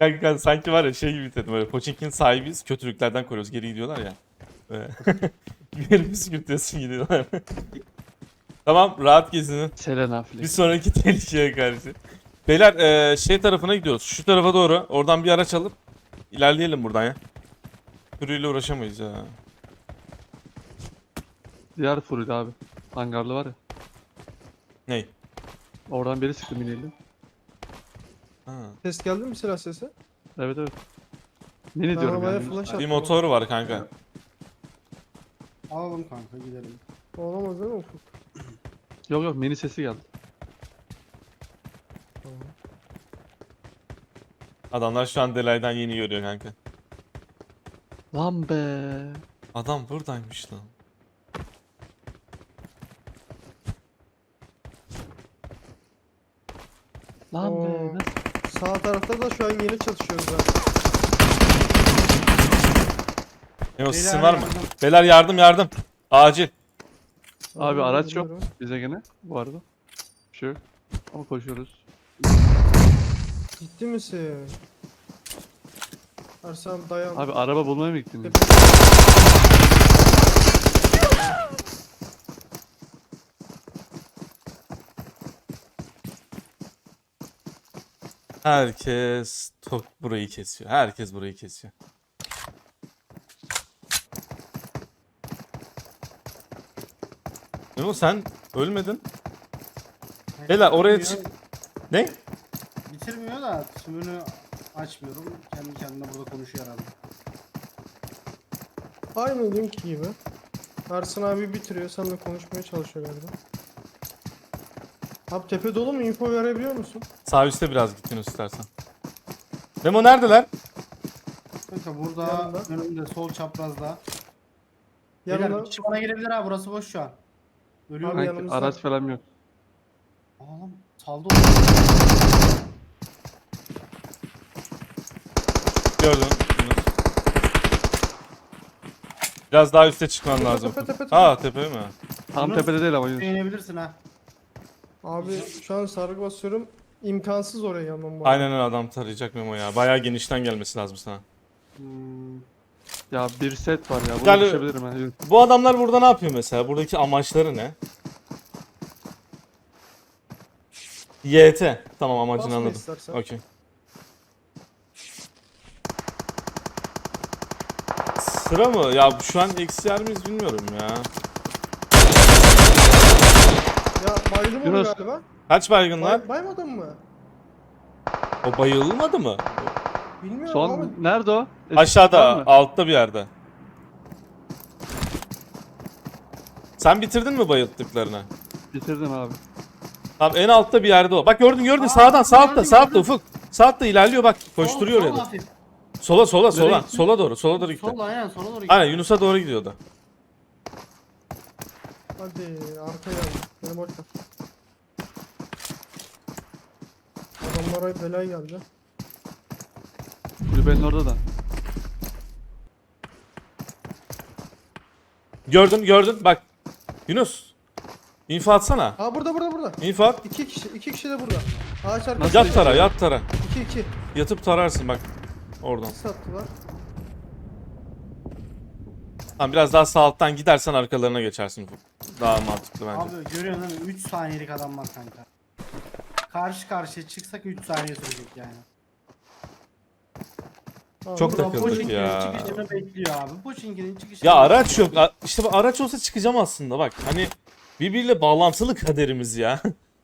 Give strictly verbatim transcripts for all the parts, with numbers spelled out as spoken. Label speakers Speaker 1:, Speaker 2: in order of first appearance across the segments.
Speaker 1: Kanka sanki var ya şey gibi dedim böyle Pochinki'nin sahibiyiz kötülüklerden koruyoruz geri gidiyorlar ya. Böyle. Geri püskürtüyorsun gidiyorlar. Tamam rahat gezinin.
Speaker 2: Selena
Speaker 1: Bir
Speaker 2: Flex.
Speaker 1: sonraki tehlikeye karşı. Beyler eee, şey tarafına gidiyoruz. Şu tarafa doğru. Oradan bir araç alıp ilerleyelim buradan ya. Sürüyle uğraşamayız ya.
Speaker 2: Diğer furuydu abi. Hangarlı var ya.
Speaker 1: Ney?
Speaker 2: Oradan biri sıktı miniyle.
Speaker 1: Ha.
Speaker 3: Ses geldi mi silah sesi?
Speaker 2: Evet evet. Mini
Speaker 3: Ben
Speaker 2: diyorum
Speaker 3: havaya
Speaker 2: yani.
Speaker 3: flash
Speaker 1: Bir
Speaker 3: attım.
Speaker 1: motor var kanka.
Speaker 4: Alalım kanka gidelim.
Speaker 3: Olamaz değil mi Ufuk?
Speaker 2: Yok yok mini sesi geldi.
Speaker 3: Tamam.
Speaker 1: Adamlar şu an Delay'dan yeni görüyor kanka.
Speaker 2: Lan be.
Speaker 1: Adam buradaymış lan.
Speaker 2: Lan be.
Speaker 3: Oo.
Speaker 2: Nasıl?
Speaker 3: Sağ tarafta da şu an yeni çatışıyoruz ha.
Speaker 1: Memo sesin
Speaker 4: Beyler
Speaker 1: var mı?
Speaker 4: yardım.
Speaker 1: Beyler yardım yardım. Acil.
Speaker 2: Abi
Speaker 3: Tamam,
Speaker 2: araç yok
Speaker 3: biliyorum.
Speaker 2: bize gene bu arada. Bir şey yok. Ama koşuyoruz.
Speaker 3: Ciddi misin? Ersan dayan.
Speaker 2: Abi araba bulmaya mı gittin?
Speaker 3: Tepe-
Speaker 1: Herkes tok burayı kesiyor. Herkes burayı kesiyor. Memo sen ölmedin. Beyler oraya
Speaker 4: Bitirmiyor-
Speaker 1: çık. Ne?
Speaker 4: Bitirmiyor da tümünü açmıyorum. Kendi kendine burada konuşuyor herhalde.
Speaker 3: Aynı dünkü gibi. Ersan abi bitiriyor, seninle konuşmaya çalışıyor galiba. Abi tepe dolu mu? Info verebiliyor musun?
Speaker 1: Sağ üstte biraz gittin istersen. Memo neredeler?
Speaker 4: Kanka burada
Speaker 3: Yanında.
Speaker 4: önümde sol çaprazda. Beyler
Speaker 3: Yanına
Speaker 4: bir kişi bana gelebilir ha, burası boş şu an. Ölüyorum.
Speaker 3: Abi
Speaker 2: Kanki,
Speaker 3: yanımızda.
Speaker 2: araç falan yok.
Speaker 4: Oğlum saldı
Speaker 1: Gördüm. Biraz daha üste çıkman
Speaker 3: Tepe,
Speaker 1: lazım.
Speaker 3: tepe, tepe, tepe.
Speaker 1: Aa tepe mi?
Speaker 2: Tam
Speaker 4: Yunus,
Speaker 2: tepede değil ama Yunus.
Speaker 4: inebilirsin ha.
Speaker 3: Abi şu an sargı basıyorum. İmkansız oraya yanmam var.
Speaker 1: Aynen öyle adam tarayacak Memo ya. Bayağı genişten gelmesi lazım sana.
Speaker 4: Hmm.
Speaker 2: Ya bir set var ya. Bunu
Speaker 1: Gel-
Speaker 2: düşebilirim ha. Yunus.
Speaker 1: Bu adamlar burada ne yapıyor mesela? Buradaki amaçları ne? Y T. Tamam amacını
Speaker 3: Basma
Speaker 1: anladım.
Speaker 3: istersen.
Speaker 1: Okey. Sıra mı? Ya şu an eksi yer miyiz bilmiyorum ya.
Speaker 3: Ya bayıldım onu
Speaker 2: Yunus.
Speaker 3: galiba.
Speaker 1: Kaç baygınlar?
Speaker 3: Bay, baymadın mı?
Speaker 1: O bayılmadı mı?
Speaker 3: Bilmiyorum ama
Speaker 2: Son nerede o? Eski var
Speaker 1: Aşağıda,
Speaker 2: mı?
Speaker 1: altta bir yerde. Sen bitirdin mi bayılttıklarını?
Speaker 2: Bitirdim abi.
Speaker 1: Tamam en altta bir yerde o. Bak gördün gördün
Speaker 4: Aa,
Speaker 1: sağdan sağ altta
Speaker 4: gördüm,
Speaker 1: sağ altta
Speaker 4: gördüm.
Speaker 1: Ufuk. Sağ altta ilerliyor bak koşturuyor
Speaker 4: Sol-
Speaker 1: oraya
Speaker 4: sol
Speaker 1: da.
Speaker 4: hafif.
Speaker 1: Sola sola sola
Speaker 2: gitti?
Speaker 1: sola doğru sola doğru gitti.
Speaker 4: Sol aynen sola doğru gidiyor.
Speaker 1: Aynen Yunus'a doğru gidiyordu.
Speaker 3: hadi arkaya geldi. Benim orta. Adamlara belay geldi.
Speaker 2: Kulübenin orada da.
Speaker 1: Gördün gördün bak. Yunus. İnfo atsana.
Speaker 3: Aa burada burada burada.
Speaker 1: İnfo at.
Speaker 3: İki kişi, iki kişi de burada. Ağaç arkası.
Speaker 2: Nasıl?
Speaker 1: Yat tara yat tara.
Speaker 3: İki iki.
Speaker 1: Yatıp tararsın bak. Oradan.
Speaker 3: Sattılar.
Speaker 1: Tamam biraz daha sağ alttan gidersen arkalarına geçersin Ufuk. Daha mantıklı bence.
Speaker 4: Abi görüyorsun değil mi? üç saniyelik adam var kanka. Karşı karşıya çıksak üç saniye sürecek yani.
Speaker 3: Aa,
Speaker 1: Çok
Speaker 3: burada-
Speaker 1: takıldık
Speaker 4: Pochinki'nin
Speaker 1: ya.
Speaker 4: çıkışını bekliyor abi. Pochinki'nin çıkışını
Speaker 1: Ya araç yok. A- İşte bu araç olsa çıkacağım aslında bak. Hani birbiriyle bağlantılı kaderimiz ya.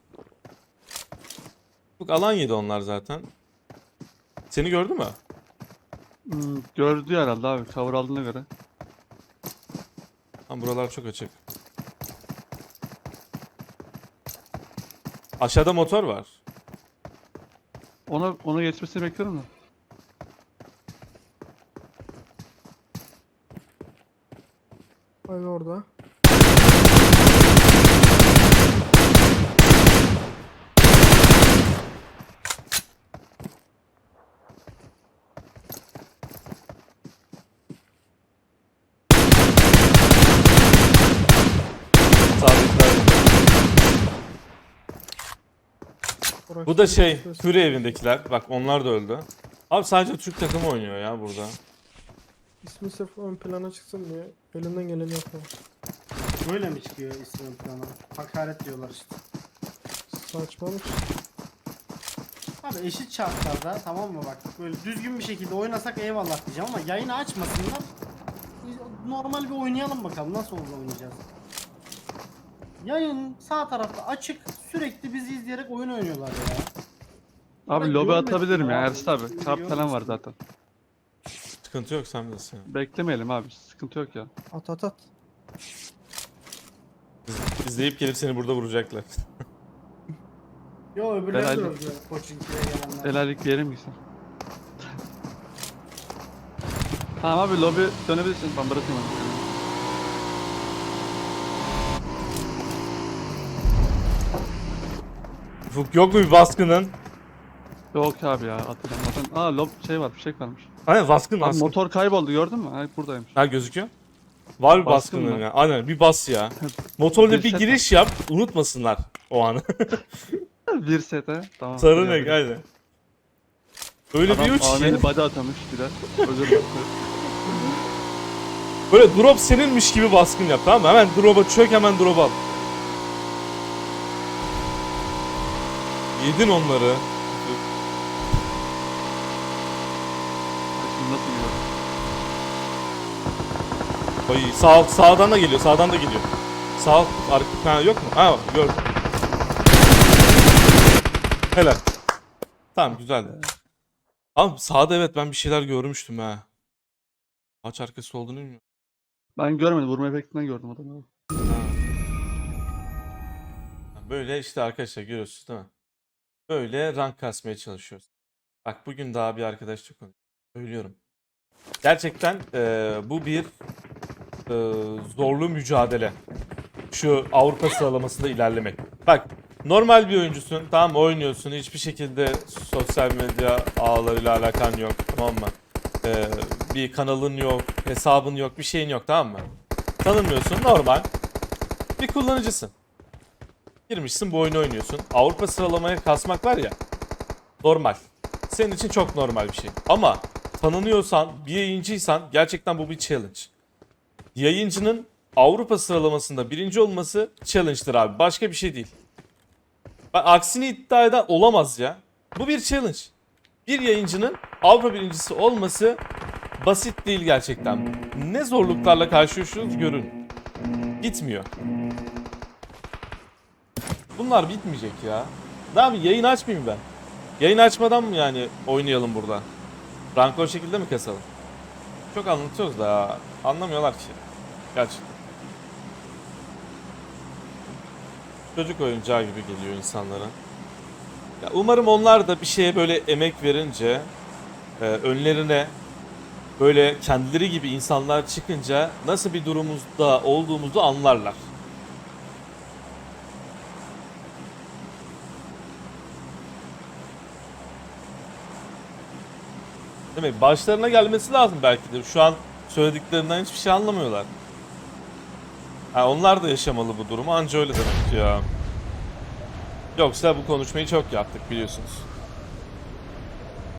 Speaker 1: Bak alan yedi onlar zaten. Seni gördü mü?
Speaker 2: Hmm, gördü herhalde abi. Cover aldığına göre.
Speaker 1: Lan buralar çok açık. Aşağıda motor var.
Speaker 2: Ona ona geçmesini bekliyorum da.
Speaker 3: Aynen orada.
Speaker 1: Sağdakiler.
Speaker 3: Burak
Speaker 1: Bu da
Speaker 3: şimdi
Speaker 1: şey,
Speaker 3: gösterisi.
Speaker 1: Fury evindekiler. Bak onlar da öldü. Abi sadece Türk takımı oynuyor ya burada.
Speaker 3: İsmi sırf ön plana çıksın diye elinden geleni yapıyor.
Speaker 4: Böyle mi çıkıyor isim plana? Hakaret diyorlar işte.
Speaker 3: Saçmalık.
Speaker 4: Abi eşit şartlarda tamam mı bak böyle düzgün bir şekilde oynasak eyvallah diyeceğim ama yayını açmasınlar. Normal bir oynayalım bakalım nasıl olur oynayacağız. Yayın sağ tarafta açık sürekli bizi izleyerek oyun oynuyorlar ya.
Speaker 2: Abi
Speaker 4: Ben
Speaker 2: lobi
Speaker 4: görmedim
Speaker 2: atabilirim ya
Speaker 4: ya.
Speaker 2: Ersin abi.
Speaker 4: Şimdi
Speaker 2: Kart falan var
Speaker 4: görmedim.
Speaker 2: zaten.
Speaker 1: Sıkıntı yok sen bilirsin.
Speaker 2: Beklemeyelim abi. Sıkıntı yok ya.
Speaker 3: At at at.
Speaker 1: İz- İzleyip gelip seni burada vuracaklar.
Speaker 4: Yo öbürleri de
Speaker 2: Herhalde-
Speaker 4: öldü. Koçinki'ye gelenler.
Speaker 2: Helallik diyelim gitsin. Tamam abi lobi dönebilirsin. Ben bırakayım onu.
Speaker 1: Ufuk yok mu bir baskının?
Speaker 2: Yok abi ya atacağım zaten. Aa lob şey var fişek varmış.
Speaker 1: Aynen baskın
Speaker 2: Abi
Speaker 1: baskın.
Speaker 2: motor kayboldu gördün mü? Ha buradaymış.
Speaker 1: Ha gözüküyor. Var bir
Speaker 2: Baskın
Speaker 1: baskının
Speaker 2: mı?
Speaker 1: ya. Aynen bir bas ya. Motorla
Speaker 2: Bir
Speaker 1: bir
Speaker 2: set
Speaker 1: giriş yap. Unutmasınlar o anı.
Speaker 2: Bir sete. Tamam.
Speaker 1: Sarı
Speaker 2: hadi
Speaker 1: renk
Speaker 2: abi.
Speaker 1: aynen. Öyle
Speaker 2: Adam
Speaker 1: bir uç
Speaker 2: A V M'li
Speaker 1: ki.
Speaker 2: body atamış bir de. Özür dilerim.
Speaker 1: Böyle drop seninmiş gibi baskın yap tamam mı? Hemen drop'a çök hemen drop'a al. Yedin onları.
Speaker 2: Şimdi nasıl gidiyor?
Speaker 1: Ay sağ sağdan da geliyor. Sağdan da geliyor. Sağ arka ha, yok mu? Ha gördüm. Helal. Tamam güzeldi. Abi sağda evet ben bir şeyler görmüştüm ha. Ağaç arkası olduğunu bilmiyorum.
Speaker 2: Ben görmedim. Vurma efektinden gördüm adamı.
Speaker 1: Ha. Böyle işte arkadaşlar görüyorsunuz değil mi? Böyle rank kasmaya çalışıyoruz. Bak bugün daha bir arkadaşla konuşuyorum. Söylüyorum. Gerçekten eee, bu bir eee, zorlu mücadele. Şu Avrupa sıralamasında ilerlemek. Bak normal bir oyuncusun tamam mı? Oynuyorsun hiçbir şekilde sosyal medya ağlarıyla alakan yok tamam mı? Eee, bir kanalın yok, hesabın yok, bir şeyin yok tamam mı? Tanınmıyorsun normal. Bir kullanıcısın. Girmişsin bu oyunu oynuyorsun. Avrupa sıralamaya kasmak var ya. Normal. Senin için çok normal bir şey. Ama tanınıyorsan, bir yayıncıysan gerçekten bu bir challenge. Yayıncının Avrupa sıralamasında birinci olması challenge'dır abi. Başka bir şey değil. Bak, aksini iddia eden olamaz ya. Bu bir challenge. Bir yayıncının Avrupa birincisi olması basit değil gerçekten. Ne zorluklarla karşılaşıyoruz görün. Gitmiyor. Bunlar bitmeyecek ya. Ne yapayım yayın açmayayım ben. Yayın açmadan mı yani oynayalım burada? Rank o şekilde mi kasalım? Çok anlatıyoruz da ya. Anlamıyorlar ki. Gerçekten. Çocuk oyuncağı gibi geliyor insanlara. Ya umarım onlar da bir şeye böyle emek verince e, önlerine böyle kendileri gibi insanlar çıkınca nasıl bir durumumuzda olduğumuzu anlarlar. Demek başlarına gelmesi lazım belki de. Şu an söylediklerinden hiçbir şey anlamıyorlar. Ha, onlar da yaşamalı bu durumu anca öyle demek ya. Yoksa bu konuşmayı çok yaptık biliyorsunuz.